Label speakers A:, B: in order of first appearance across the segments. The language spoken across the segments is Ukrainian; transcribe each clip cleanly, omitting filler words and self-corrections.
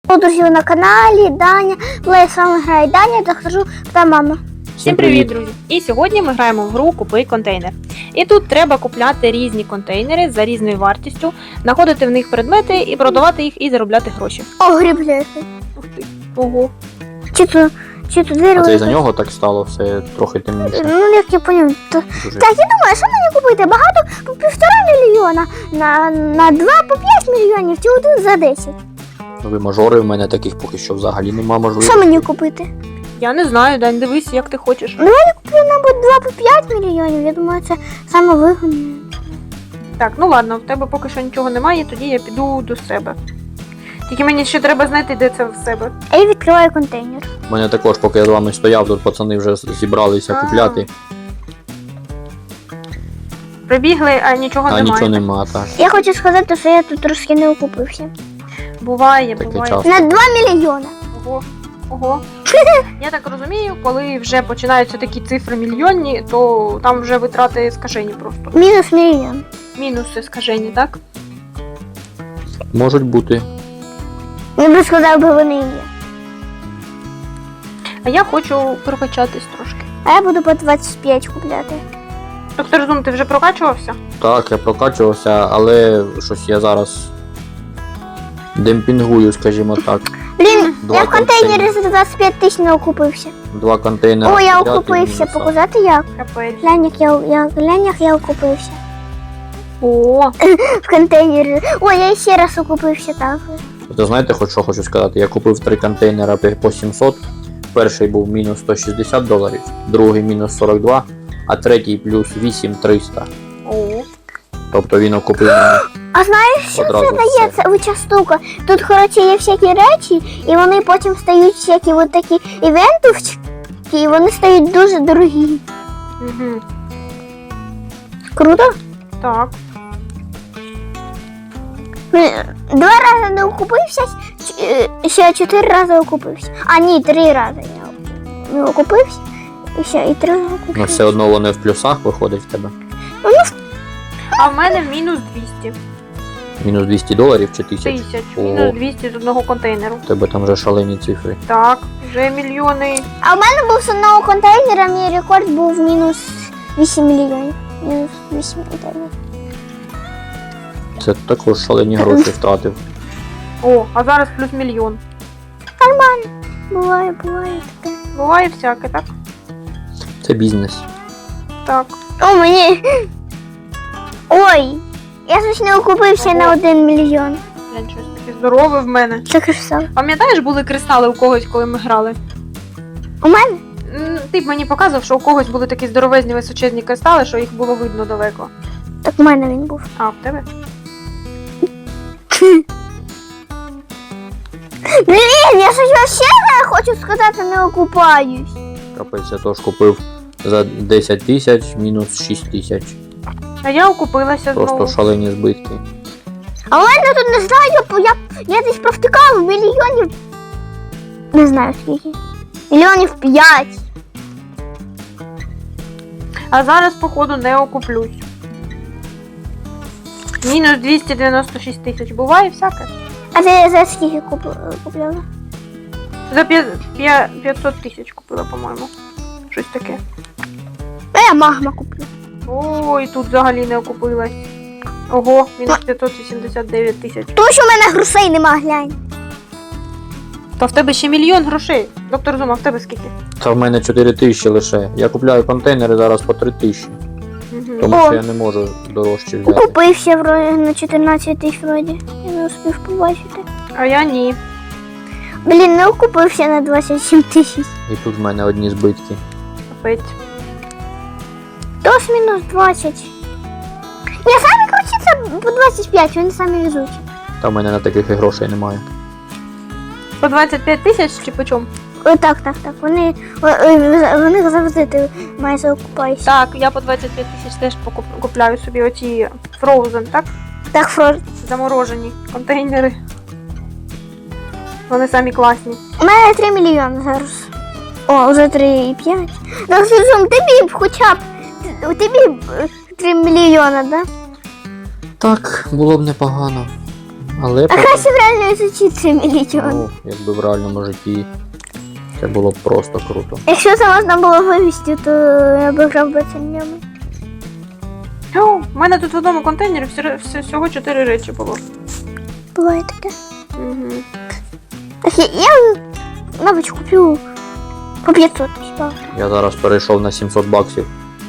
A: Друзі, на каналі Даня. З вами грає Даня, та хожу та мама.
B: Всім привіт, друзі! І сьогодні ми граємо в гру «Купи контейнер». І тут треба купляти різні контейнери за різною вартістю, знаходити в них предмети і продавати їх і заробляти гроші.
A: О, грібляти.
B: Ух ти. Ого.
A: Чи то дерево?
C: А це із-за нього так стало все трохи темніше.
A: Ну, як я поняв.
C: Дуже.
A: Так, я думаю, що мені купити? Багато по 1,5 мільйона, на 2 по 5 мільйонів, чи один за 10.
C: Ви мажори, в мене таких поки що взагалі нема можливості.
A: Що мені купити?
B: Я не знаю, Дань, дивись, як ти хочеш.
A: Ну, я куплю, мабуть, 2 по 5 мільйонів. Я думаю, це саме вигідне.
B: Так, ну ладно, в тебе поки що нічого немає, тоді я піду до себе. Тільки мені ще треба знайти, де це в себе.
A: А я відкриваю контейнер.
C: У мене також, поки я з вами стояв, тут пацани вже зібралися купляти,
B: Прибігли, а нічого
C: а
B: немає.
C: нічого нема, так.
A: Я хочу сказати, що я тут трошки не окупився.
B: Буває,
C: Таке
B: буває.
C: часто.
A: На 2 мільйона.
B: Ого. Ого. Я так розумію, коли вже починаються такі цифри мільйонні, то там вже витрати скажені просто.
A: Мінус мільйон.
B: Мінуси скажені, так?
C: Можуть бути.
A: Я би сказав, би вони є.
B: А я хочу прокачатись трошки.
A: А я буду по 25 купляти.
B: Доктор Зум, ти вже прокачувався?
C: Так, я прокачувався, але щось я зараз демпінгую, скажімо так.
A: Блін,
C: Два
A: я в контейнері
C: контейнери.
A: за 25 тисяч не окупився.
C: 2 контейнери.
A: О, я
C: взяти,
A: окупився.
C: мінуса.
A: Показати як?
B: Капець.
A: Глянь, як я окупився.
B: О,
A: В контейнері. О, я ще раз окупився так.
C: Ви знаєте, що хочу сказати? Я купив 3 контейнера по 700. Перший був мінус $160, другий мінус 42, а третій плюс 8300.
B: о.
C: Тобто він окупив мене.
A: А знаєш, що
C: Одразу
A: це дає?
C: все.
A: Це оця штука. Тут, коротше, є всякі речі, і вони потім стають всякі от такі івентовчики, і вони стають дуже дорогі.
B: Угу.
A: Круто?
B: Так.
A: 2 рази не окупився, ще 4 рази окупився. А ні, 3 рази я не окупився, і ще і 3 рази
C: Ну
A: окупився.
C: все одно вони в плюсах виходить в тебе.
B: А в мене мінус 200
C: Мінус $200 чи 1000?
B: тисяч.
C: О.
B: Мінус 200 з одного контейнеру.
C: В тебе там вже шалені цифри.
B: Так, вже мільйони.
A: А в мене був з одного контейнера, мій рекорд був мінус 8 мільйонів. Мінус 8 мільйонів.
C: Це також шалені гроші втратив.
B: О, а зараз плюс мільйон.
A: Буває таке.
B: Буває всяке, так?
C: Це бізнес.
B: Так.
A: О, мені. Ой! Я ж не окупився на 1 мільйон.
B: Глянь, щось таке здорове в мене.
A: Це красиво.
B: Пам'ятаєш, були кристали у когось, коли ми грали?
A: У мене?
B: Ти б мені показував, що у когось були такі здоровезні височезні кристали, що їх було видно далеко.
A: Так у мене він був.
B: А, в тебе?
A: Блін, я щось вообще не хочу сказати, не окупаюсь.
C: Капець, я теж купив за 10 тисяч, мінус 6 тисяч.
B: А я окупилася
C: Просто
B: знову.
C: шалені збитки.
A: А у мене тут не знаю, я десь провтикав мільйонів. Не знаю скільки. Мільйонів 5.
B: А зараз, походу, не окуплюсь. Мінус 296 тисяч. Буває всяке.
A: А ти за скільки купляла?
B: За 500 тисяч купила, по-моєму. Щось таке.
A: А я магма куплю.
B: Ой, тут взагалі не окупилась. Ого, мінус 589 тисяч.
A: Тому що в мене грошей нема, глянь.
B: Та в тебе ще мільйон грошей. Доктор Зума, в тебе скільки?
C: Та в мене 4 тисячі лише. Я купляю контейнери зараз по 3 тисячі.
B: Угу.
C: Тому
A: О.
C: що я не можу дорожче взяти.
A: Купився вроді на 14 тисяч вроді. Я не успів побачити.
B: А я ні.
A: Блін, не окупився на 27 тисяч.
C: І тут в мене одні збитки.
B: Капець.
A: Тож мінус 20. Ні, самі круті це по 25, вони самі везуть.
C: Та в мене на таких і грошей немає.
B: По 25 тисяч чи по чому?
A: Так. Вони завжди ти майже окупаєшся.
B: Так, я по 25 тисяч теж купляю собі оці Frozen, так?
A: Так, Фрод.
B: Заморожені контейнери. Вони самі класні.
A: У мене 3 мільйони зараз. О, вже 3,5. Так, Сузум, тобі б хоча б. Тобі б 3 мільйони, да?
C: Так, було б непогано. Але
A: А краще в реальному житті 3 мільйони.
C: ну, якби в реальному житті це було б просто круто.
A: Якщо це можна було вивезти, то я б грав би це ньому.
B: О, в мене тут в одному контейнері всього 4 речі було.
A: Буває таке.
B: Угу.
A: Так я мабуть, куплю по 500 тисяч.
C: Я зараз перейшов на 700 баксів.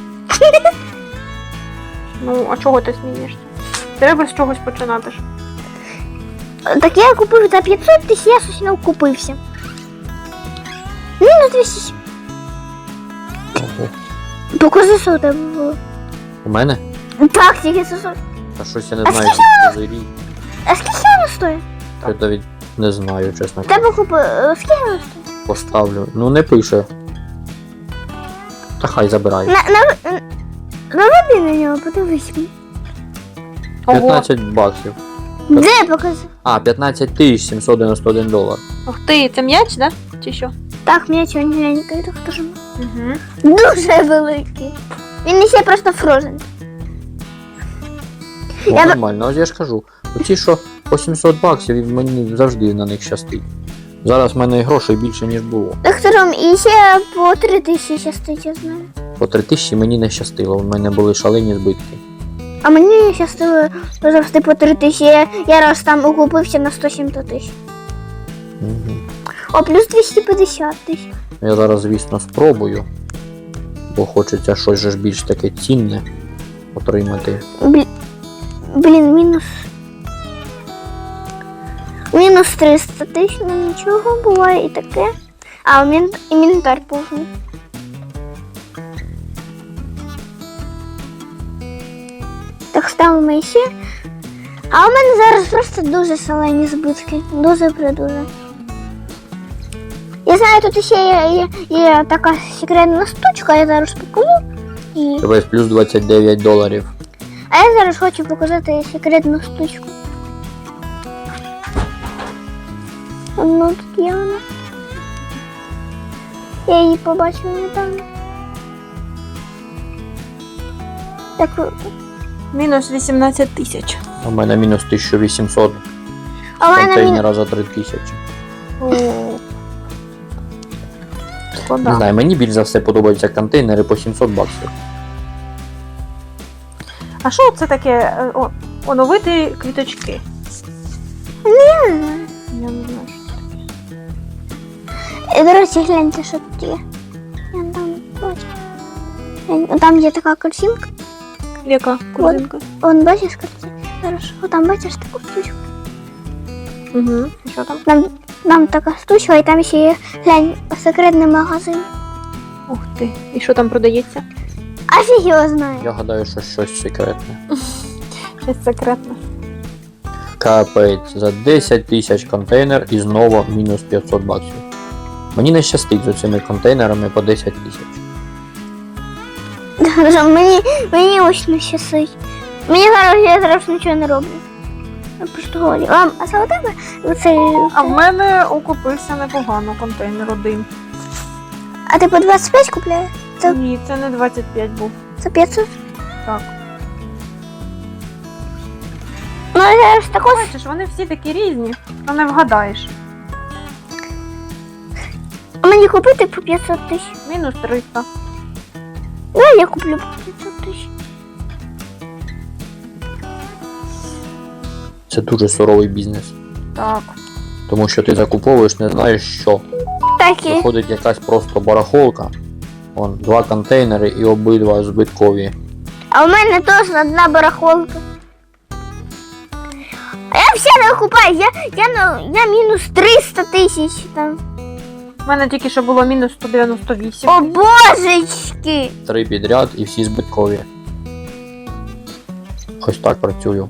B: Ну, а чого ти смієшся? Треба з чогось починати ж.
A: Так я купив за 500 тисяч, я щось не купився. Мінус 200.
C: Ого.
A: Покажи, що у тебе було.
C: У мене?
A: Так, тільки 600.
C: Та щось я не
A: А
C: знаю, що це рік.
A: А скільки воно стоїть?
C: Я навіть не знаю, чесно.
A: Тебе купив. Скільки воно стоїть?
C: Поставлю. Ну не пише. Та хай забирай.
A: Наведи на нього, подивись.
B: Ого.
C: 15 баксів.
A: Де покажи?
C: А, 15 тисяч 791 долар.
B: Ух ти, це м'яч, да? Чи що?
A: Так, м'яч він глянький, так теж.
B: Угу.
A: Дуже великий. Він ще просто фрозен.
C: О,
A: Я б-
C: нормально, ось я ж кажу. Оці, що по 700 баксів, і мені завжди на них щастить. Зараз в мене грошей більше, ніж було.
A: Доктором, і ще по 3 тисячі щастить, я знаю.
C: По 3000 мені не щастило, у мене були шалені збитки.
A: А мені щастило завжди по 3 тисячі. Я раз там окупився на 170 тисяч.
C: Угу.
A: О, плюс 250 тисяч.
C: Я зараз, звісно, спробую, бо хочеться щось же ж більш таке цінне отримати.
A: Блін, мінус. Мінус 300 тисяч, ну нічого, буває і таке. А, інвентар повний. Так, ставимо ще. А у мене зараз просто дуже шалені збитки. Дуже-предуже. Я знаю, тут ще є така секретна штучка, я зараз покажу. І...
C: Тебе плюс 29 доларів.
A: А я зараз хочу показати секретну штучку. Ну, тут є вона. Я її побачила недавно. Так,
B: Мінус 18 тисяч.
C: У мене мінус 1800
A: а в мене
C: контейнера за 3000.
B: О.
C: Не
B: Шкода.
C: знаю, мені більш за все подобаються контейнери по 700 баксів.
B: А що це таке? Оновити квіточки.
A: Я не знаю.
B: Я не знаю, що це таке.
A: До речі, гляньте, що тут є. Я там бачу. Там є така картинка.
B: Яка корзинка?
A: Вон, бачиш картинку? Зараз. О, там бачиш таку штучку.
B: Угу. Що там?
A: Там така штучка, і там ще є, глянь, секретний магазин.
B: Ух ти. І що там продається?
A: А фіг його знає.
C: Я гадаю, що щось секретне.
B: Щось секретне.
C: Капець, за 10 тисяч контейнер і знову мінус 500 баксів. Мені не щастить з цими контейнерами по 10 тисяч.
A: Мені ось не щасить. Мені зараз, я зараз нічого не роблю. Я просто говорю. А це у тебе оцей...
B: А в мене окупився непогано контейнер один.
A: А ти по 25 купляєш? Це-
B: Ні, це не 25 був.
A: Це 500?
B: Так.
A: Ну, я ж також...
B: Бачиш, вони всі такі різні, то не вгадаєш.
A: А мені купити по 500 тисяч?
B: Мінус 300.
A: Ну, я куплю по 500 тисяч.
C: Це дуже суровий бізнес.
B: Так.
C: Тому що ти закуповуєш, не знаєш що.
A: Так і...
C: Виходить якась просто барахолка. Вон, 2 контейнери і обидва збиткові.
A: А у мене теж одна барахолка. А я все не окупаю, я мінус 300 тисяч там.
B: У мене тільки що було мінус 198.
A: О, божечки!
C: 3 підряд і всі збиткові. Ось так працюю.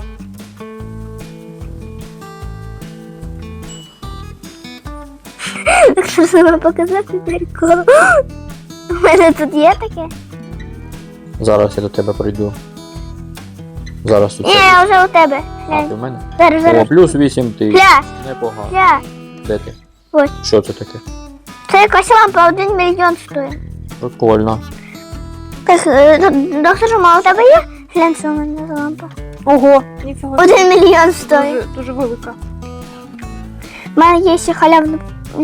A: Так що себе показати прикол. У мене тут є таке?
C: Зараз я до тебе прийду. Зараз у
A: Ні,
C: тебе.
A: я вже у тебе.
C: А, ти
A: Глянь.
C: в мене?
A: Зараз,
C: О,
A: зараз.
C: плюс 8 тисяч.
A: Гля,
C: Непогано.
A: гля.
C: Де ти?
A: Ось.
C: Що це таке?
A: Це якась лампа 1 мільйон стоїть.
C: Прикольно.
A: Так, доктор, а у тебе є? Глянь, що у мене за лампа.
B: Ого, ніфіга.
A: 1 мільйон стоїть.
B: Дуже, дуже велика.
A: У мене є ще халявна.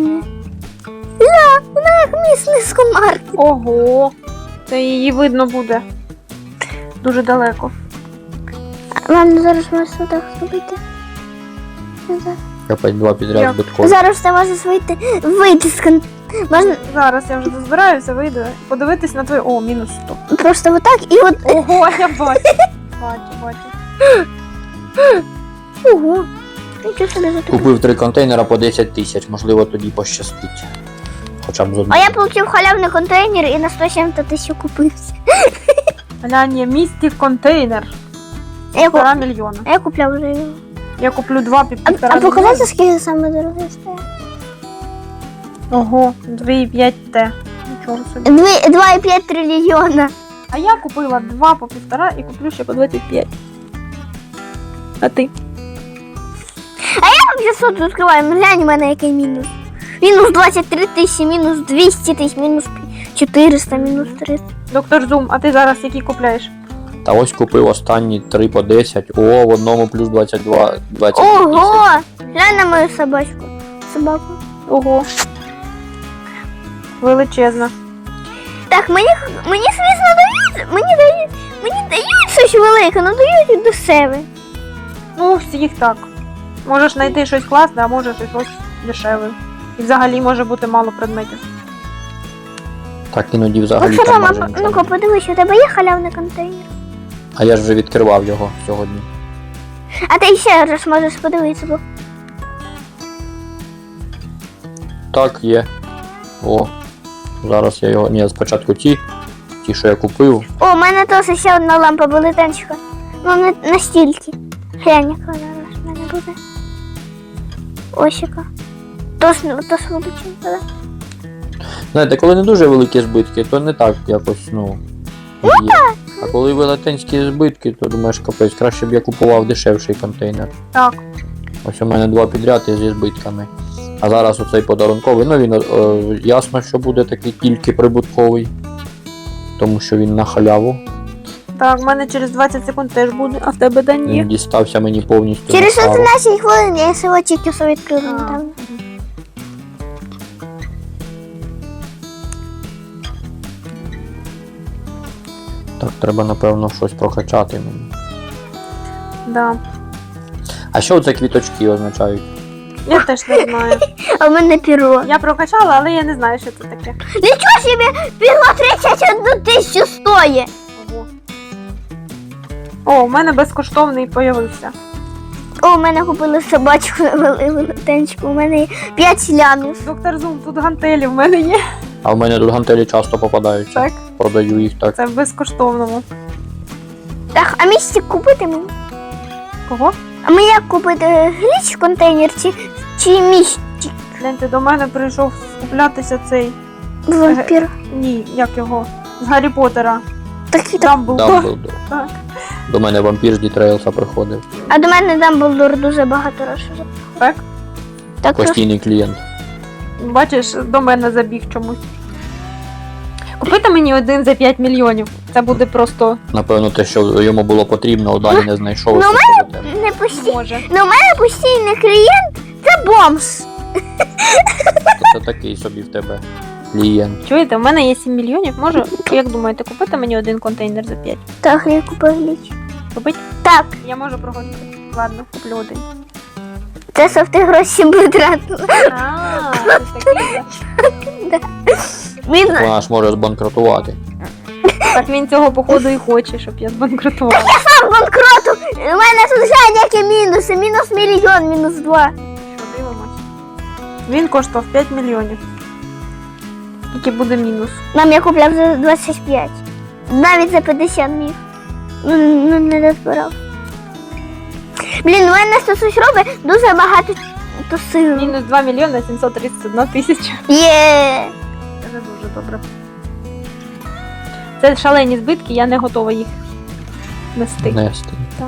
A: Вона як міс комар.
B: Ого. Це її видно буде. Дуже далеко.
A: Мам, зараз можна так зробити. Зараз.
C: Капець 2 підряд
B: Як?
C: збиткові.
A: Зараз ти можеш вийти з Можна
B: Зараз я вже дозбираюся, вийду. Подивитись на твою. О, мінус 100.
A: просто отак і от.
B: Ого, я бачу. Бачу.
A: Ого. Нічого собі за таке.
C: Купив 3 контейнера по 10 тисяч, можливо тоді пощастить. Хоча б з
A: А
C: одного.
A: я отримав халявний контейнер і на 170 тисяч купився.
B: Глянь, є містик контейнер.
A: А я,
B: 1,5 мільйона.
A: а я купляв вже його.
B: Я куплю 2 під
A: А
B: 1,5 мільйона.
A: показати, скільки саме дорогий стоїть?
B: Ого, 2,5 Т. Нічого собі.
A: 2,5 трильйона.
B: А я купила 2 по 1,5 і куплю ще по 25. А ти?
A: Там 500 відкриваємо, глянь, у мене який мінус. Мінус 23 тисячі, мінус 200 тисяч, мінус 400, мінус 300.
B: Доктор Зум, а ти зараз які купляєш?
C: Та ось купив останні 3 по 10. О, в одному плюс 22 тисяч.
A: Ого! Глянь на мою собачку. Собаку.
B: Ого. Величезна.
A: Так, мені звісно, мені дають щось велике, але дають до себе.
B: Ну, всіх так. Можеш знайти щось класне, а може щось ось дешеве. І взагалі може бути мало предметів.
C: Так іноді взагалі
A: От
C: там
A: мама,
C: майже нічого.
A: ну-ка подивись, у тебе є халявний контейнер?
C: А я ж вже відкривав його сьогодні.
A: А ти ще раз можеш подивитися, бо
C: Так, є. О. Зараз я його. Ні, спочатку ті, що я купив.
A: О, у мене теж ще одна лампа велетенська. Ну, не настільки. Глянь, яка зараз в мене буде. Ось яка. Тож величезна, так?
C: Знаєте, коли не дуже великі збитки, то не так якось, ну. Є. А коли велетенські збитки, то думаєш, капець, краще б я купував дешевший контейнер.
B: Так.
C: Ось у мене 2 підряд і зі збитками. А зараз оцей подарунковий, ну він ясно, що буде такий тільки прибутковий. Тому що він на халяву.
B: Так, в мене через 20 секунд теж буде, а в тебе да ні.
C: Він дістався мені повністю.
A: Через
C: на тару.
A: 11 хвилин я його тільки все відкрила
B: А.
A: недавно.
C: Так, треба, напевно, щось прокачати мені.
B: Да.
C: А що це квіточки означають?
B: Я теж не знаю.
A: А в мене піро.
B: Я прокачала, але я не знаю, що це таке.
A: Нічого собі, піро 31 тисячу стоїть.
B: Ого. О, у мене безкоштовний появився.
A: О, у мене купили собачку велетенську, у мене є 5 лямів.
B: Доктор Зум, тут гантелі в мене є.
C: А в мене тут гантелі часто попадаються.
B: Так,
C: Продаю їх так.
B: це в безкоштовному.
A: Так, а містик купити мені?
B: Кого?
A: А мені як купити гліч контейнер чи містик?
B: Гляньте, до мене прийшов скуплятися цей.
A: Вампір.
B: Ні, як його? З Гаррі Поттера.
A: Такий.
B: Дамблдор.
C: Дамблдор.
B: Так.
C: До мене вампір з Дітрейлса приходив.
A: А до мене Дамблдор дуже багато розширив.
B: Так?
A: Так що
C: Постійний клієнт.
B: Бачиш, до мене забіг чомусь. Купити мені один за 5 мільйонів. Це буде просто
C: Напевно, те, що йому було потрібно, далі не знайшов.
A: Ну,
C: і все до тебе.
A: не постійно.
B: може.
A: Ну, у мене постійний клієнт це бомж.
C: Це такий собі в тебе клієнт.
B: Чуєте, у мене є 7 мільйонів. Можу, як думаєте, купити мені один контейнер за 5?
A: Так, я купив гліч.
B: Купить?
A: Так,
B: Я можу проходити. Ладно, куплю один.
A: це щоб ти гроші витратила.
B: А, це такий.
A: Він
C: Вона ж може збанкрутувати.
B: Так він цього походу і хоче, щоб я збанкрутувала.
A: сам банкроту. У мене тут глянь, які мінуси. Мінус мільйон, мінус 2.
B: Що дивимось? Він коштував 5 мільйонів. Який буде мінус?
A: Нам я купляв за 25. Навіть за 50 міг. Ну, не дозбирав. Блін, у мене це щось робить дуже багато то сил.
B: Мінус 2 мільйони 731 тисяча.
A: Є.
B: Це не дуже добре. Це шалені збитки, я не готова їх нести.
C: Нести.
B: Так.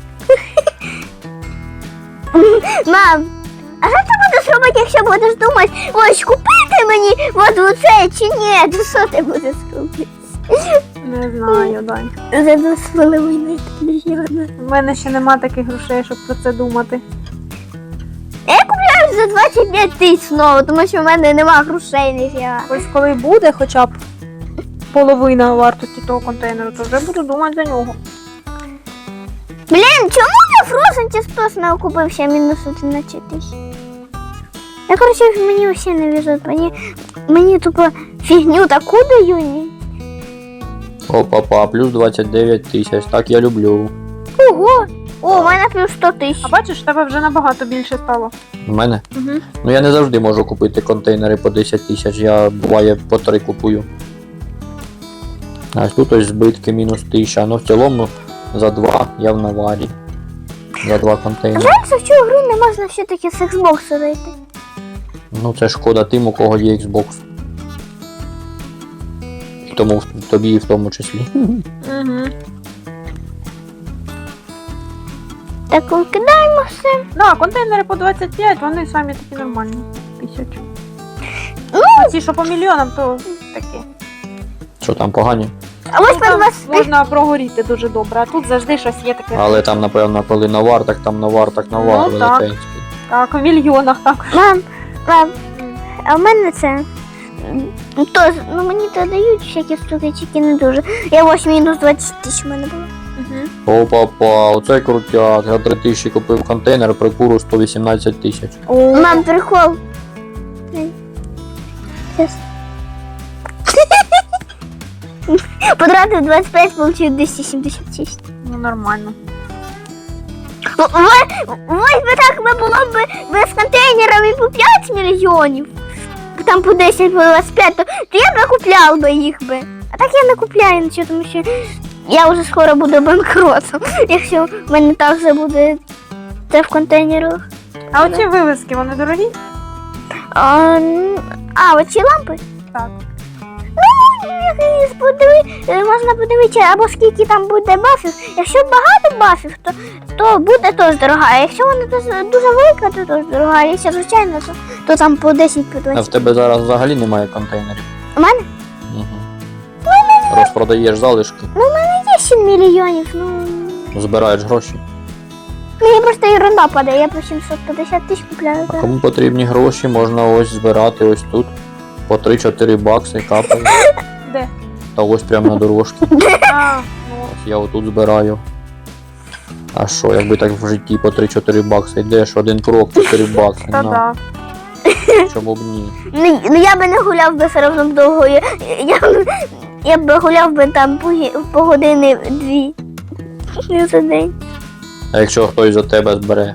A: Мам, а що ти будеш робити, якщо будеш думати, ось купити мені от оце чи ні? То що ти будеш робити?
B: Не знаю, Дань.
A: За 2,5 мільйона.
B: У мене ще нема таких грошей, щоб про це думати.
A: Я купляю за 25 тисяч знову, тому що в мене нема грошей ніфіга.
B: Ось коли буде хоча б половина вартості того контейнеру, то вже буду думати за нього.
A: Блін, чому я Frozen Чистос не окупив ще мінус 11 тисяч? Я, коротше, мені всі не везуть. Мені тупо фігню таку дають.
C: Опа-па, плюс 29 тисяч, так я люблю.
A: Ого! О, у мене плюс 100 тисяч.
B: А бачиш, в тебе вже набагато більше стало.
C: У мене?
B: Угу.
C: Ну я не завжди можу купити контейнери по 10 тисяч, я буває по 3 купую. А тут ось збитки мінус 1000, ну в цілому за 2 я в наварі. За 2 контейнери.
A: Знаєш, в цю гру не можна все-таки з Xbox зайти.
C: Ну це шкода тим, у кого є Xbox. І тому тобі в тому числі.
B: Угу.
A: Так, викидаємо все.
B: Да, контейнери по 25, вони самі такі нормальні. 1000.
A: Ну,
B: А ті, що по мільйонам, то такі.
C: Що там погані?
A: а ось
B: Ну,
A: по
B: там
A: 20.
B: можна прогоріти дуже добре, а тут завжди щось є таке.
C: Але там, напевно, коли навар, так там навар, так навар
B: Ну, так.
C: велетенський.
B: Так, у мільйонах так.
A: Мам, а в мене це. То, ну мені то дають всякі штуки, тільки не дуже. Я ось мінус 20 тисяч в мене було.
B: Угу.
C: Опа-па, оце крутяк. Я 3000 купив контейнер, при куру 118 тисяч.
A: Мам, прикол. Сейчас. Потратив 25, получив 276.
B: Ну, нормально.
A: Ось би так би було б без контейнерів і по 5 мільйонів. Там по 10, по 25, то я би купляв би їх би. А так я не купляю нічого, тому що я вже скоро буду банкротом, якщо в мене так же буде це в контейнерах.
B: А оці вивіски, вони дорогі?
A: Оці лампи?
B: Так.
A: Можна подивитися, або скільки там буде бафів. Якщо багато бафів, то буде теж дорога. А якщо вона дуже велика, то теж дорога. А якщо звичайно, то там по 10, по
C: А
A: 20.
C: в тебе зараз взагалі немає контейнерів?
A: У мене
C: Угу. Розпродаєш залишки,
A: є 7 мільйонів,
C: збираєш гроші.
A: мені просто ерунда падає, я по 750 тисяч купляю
C: А
A: зараз.
C: кому потрібні гроші, можна ось збирати ось тут. По 3-4 бакси капає.
B: Де?
C: Та ось прямо на дорожці.
B: А, ну.
C: Ось я отут збираю. А що, якби так в житті по 3-4 бакси йдеш, один крок, 4 бакси.
B: Та
C: На,
B: да.
C: чому б ні?
A: Ну я би не гуляв би все одно довго. Я б гуляв би там по години 2. Не за день.
C: А якщо хтось за тебе збере?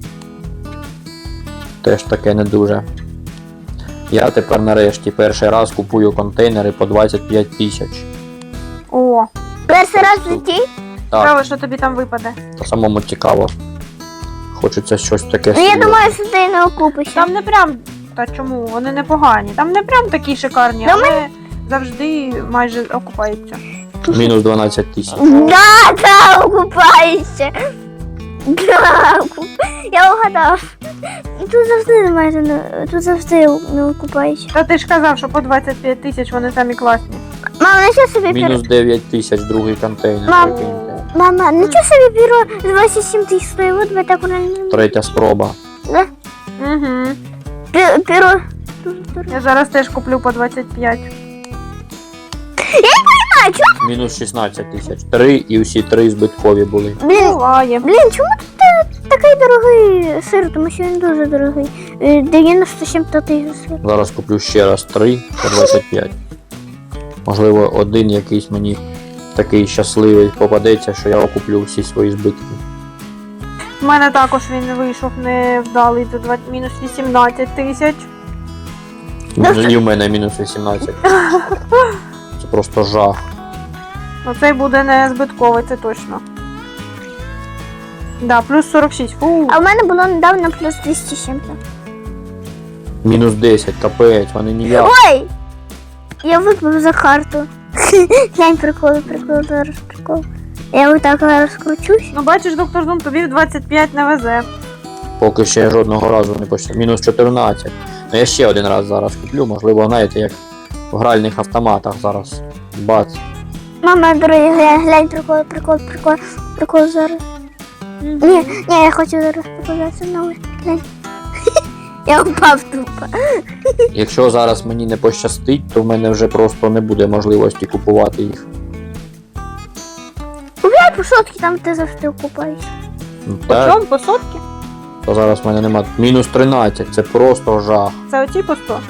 C: Теж таке не дуже. Я тепер нарешті перший раз купую контейнери по 25 тисяч.
B: О,
A: Перший раз в житті?
C: Так,
B: цікаво, що тобі там випаде.
C: та самому цікаво. Хочеться щось таке.
A: Ну я
C: собі.
A: думаю, що ти не окупишся.
B: Там не прям, та чому, вони непогані. Там не прям такі шикарні,
A: Та
B: але завжди майже окупаються.
C: Мінус 12 тисяч.
A: Да, окупаєшся. Да, я угадав. Тут завжди немає, тут завжди не окупаєшся.
B: Та ти ж казав, що по 25 тисяч вони самі класні.
A: Мама, нічого собі
C: Мінус 9 тисяч другий контейнер.
A: Мам.
C: прикиньте.
A: Мама, нічого собі бюро з 27 тисяч стоїть, от би так реально.
C: Третя спроба.
A: Да?
B: Угу.
A: Бюро.
B: Я зараз теж куплю по 25.
A: А, чого?
C: Мінус 16 тисяч. 3 і усі 3 збиткові були.
B: Буває.
A: Чому тут такий дорогий сир, тому що він дуже дорогий. 97 тисяч сир.
C: Зараз куплю ще раз 3 по 25. Можливо, один якийсь мені такий щасливий попадеться, що я окуплю всі свої збитки.
B: У мене також він вийшов невдалий за мінус 18 тисяч.
C: І в мене мінус 18. Це просто жах.
B: Ну цей буде не збитковий, це точно. Да, плюс 46. Фу.
A: А в мене було недавно плюс 200 з чим-то.
C: Мінус 10, капець, вони ніяк.
A: Ой! Я випив за карту. Глянь, прикол, зараз прикол. Я отак розкручусь.
B: Ну бачиш, доктор Зум, тобі в 25 не везе.
C: Поки ще жодного разу не почав. Мінус 14. Ну я ще один раз зараз куплю, можливо, знаєте, як в гральних автоматах зараз. Бац.
A: Мама, дорогі, глянь, прикол зараз. Ні, я хочу зараз показати новий. Глянь. Я впав тупо.
C: Якщо зараз мені не пощастить, то в мене вже просто не буде можливості купувати їх.
A: Купляй по сотки, там ти завжди купаєш.
C: Ну,
B: По
C: так,
B: чому? По сотки?
C: то зараз в мене нема. Мінус 13, це просто жах.
B: Це оці по 100?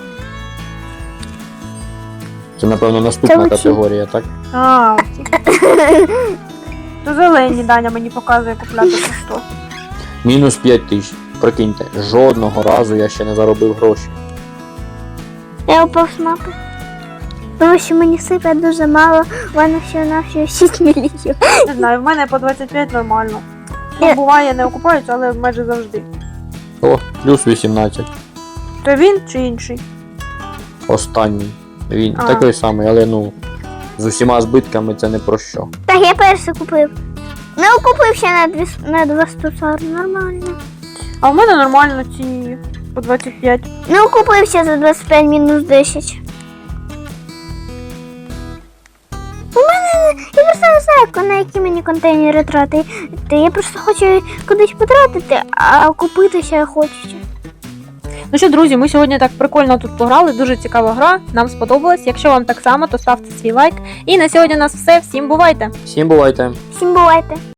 C: Це, напевно,
A: Це
C: наступна
A: оці.
C: категорія, так?
B: А, оці. То зелені Даня мені показує купляти по 100.
C: Мінус 5 тисяч. Прикиньте, жодного разу я ще не заробив гроші.
A: Я упав з мапи. Тому що мені сипе дуже мало, в мене всього-навсього 6 мільйонів.
B: Не знаю, в мене по 25 нормально.
A: Ні.
B: Ну, буває, не окупаються, але майже завжди.
C: О, плюс 18.
B: То він чи інший?
C: Останній. Він
B: А.
C: такий самий, але ну, з усіма збитками це не про що.
A: Так, я перший купив. Не купив ще на 240, нормально.
B: А в мене нормально ці по 25.
A: Не купив ще за 25 мінус 10. У мене, я просто не знаю, на які мені контейнери тратити. Я просто хочу кудись потратити, а купити ще хочеться.
B: Ну що, друзі, ми сьогодні так прикольно тут пограли, дуже цікава гра, нам сподобалось. Якщо вам так само, то ставте свій лайк. І на сьогодні у нас все. Всім бувайте!
C: Всім бувайте!
A: Всім бувайте!